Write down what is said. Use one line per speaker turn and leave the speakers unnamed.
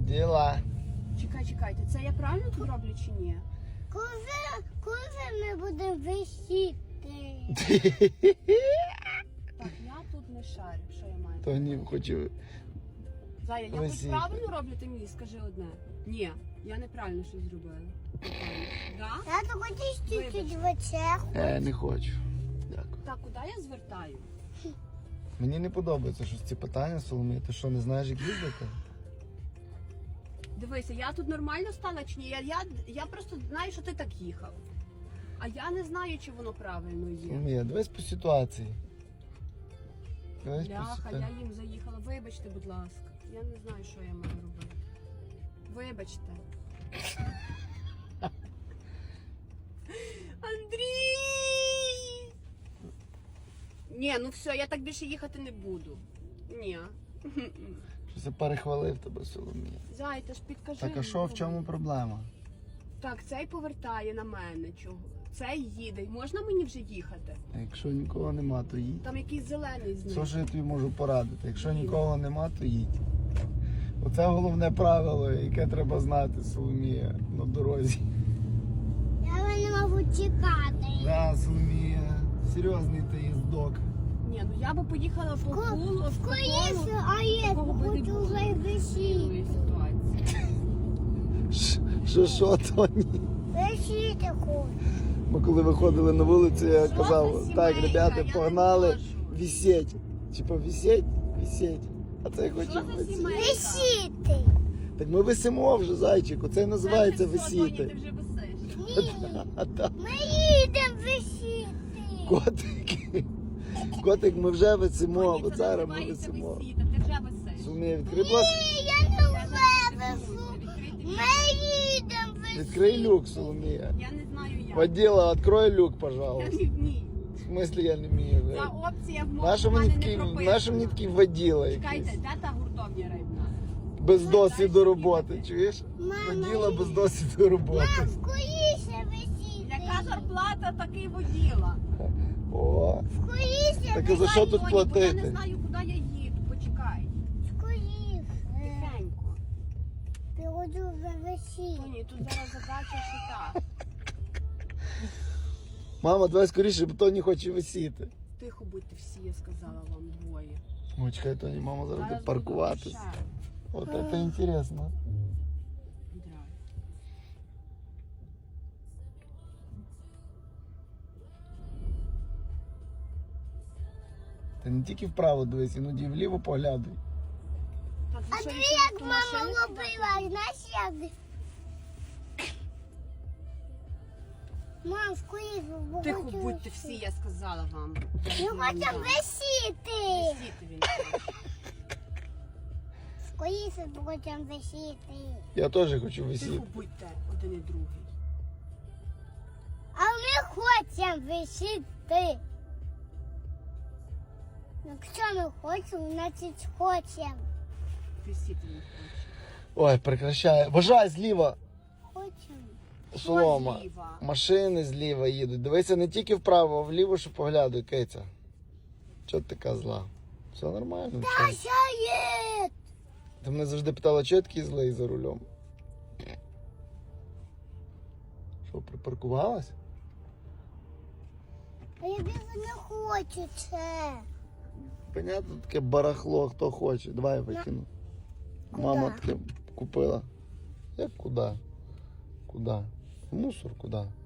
Діла.
Чекайте, це я правильно тут роблю чи ні?
Коли ми будемо висіти?
Так, я тут не шарю, що я маю.
То ні, хочу.
Зая, я
висіти.
хоч правильно роблю, ти мені скажи одне. Ні, я неправильно щось зробила. Да?
Я то хочу чуть-чуть в очах.
Не хочу. Дякую.
Так, куди я звертаю?
Мені не подобається щось ці питання, Соломія. Ти що, не знаєш, як їздити?
Дивися, я тут нормально стала чи ні? Я просто знаю, що ти так їхав. А я не знаю, чи воно правильно є.
Соломія, дивись по ситуації. Дивись по
Бляха,
ситуації.
я їм заїхала. Вибачте, будь ласка. Я не знаю, що я маю робити. Вибачте. Андрій! Ні, ну все, я так більше їхати не буду. Ні.
Щось я перехвалив тебе, Соломія.
Зай, ти ж підкажи.
Так, а що, в чому проблема?
Так, цей повертає на мене. Чого? Цей їде. Можна мені вже їхати?
А якщо нікого нема, то їдь.
Там якийсь зелений з ним.
Все, що я тобі можу порадити. Якщо нікого нема, то їдь. Оце головне правило, яке треба знати, Соломія, на дорозі.
Я не можу чекати.
Да, Соломія, серйозний ти їздок.
Ні, ну я би поїхала по колу,
Скоріше, а я хочу вже висіти.
ситуації.
Що, Тоні?
Висіти хочу.
Ми коли виходили на вулицю, я
Що
казав,
за
так,
сімейка?
ребята,
Я не
погнали
можу.
висеть. Типа висеть. А це я
Що
хочу
за
висіти.
сімейка?
Висіти.
Так ми висимо вже, зайчику, це і називається
Все, Тоні, ти
висіти.
вже висиш.
Ми їдемо висіти.
Котик, ми вже висимо,
Тоні,
бо
це
зараз ми
називається
висимо.
висіти, ти вже висиш.
Соломія, відкрий, будь ласка.
Я не
Я зараз
вивезу.
відкрити.
Ми їдемо висіти.
Відкрий люк, Соломія.
Я не знаю як.
Водила, открой люк,
Я
пожалуйста.
не вмію.
В смысле я не вмію?
Ця
блядь?
опція в
Наша
мене
мені
не
такий,
прописана.
наша мені такий воділа
Чекайте,
якийсь.
де та гуртовня рибна?
Без досвіду
дальше
роботи,
їхати.
чуєш?
Мама,
Воділа без досвіду роботи.
Мам, скоріше висіти.
Яка зарплата, такий воділа.
О,
Скоріше
так а за що тут
Тоні, бо я не
платити?
знаю, куди я їду. Почекай.
Скоріше.
Тихенько.
Я хочу вже висіти.
Тоні, тут зараз задача шита.
Мама, давай скоріше, бо Тоні хоче висіти.
Тихо будьте всі, я сказала вам двоє.
Ой, чекай, Тоні, мама зараз буде
Зараз
паркуватись.
буду ще.
От це інтересно.
Драй.
Ти не тільки вправо дивись, іноді і вліво поглядуй.
Так, ви
А
що,
ти
ще
як
до
мама
машини
робила, знаєш як? Мам, скоріше, бо
Тихо
хочу
будьте
висіти.
всі, я сказала вам.
Ми хочемо висіти.
Висіти він.
Скоріше, бо хочемо висіти.
Я теж хочу висіти.
Тихо будьте один і другий.
А ми хочемо висіти. Якщо ми хочемо, значить хочемо.
Висіти він хоче.
Ой, прекращай. Вважай зліва.
Хочемо.
Солома.
зліва?
Машини зліва їдуть. Дивися не тільки вправо, а вліво, що поглядуй, Киця. Чого ти така зла? Все нормально. чого?
Шаєт!
Ти мене завжди питала, чого я такий злий за рулем? Що, припаркувалась?
А я більше не хочу це.
Понятно, таке барахло, хто хоче. Давай я викину. Мама таке купила. Як куди? Куди? В мусор куди?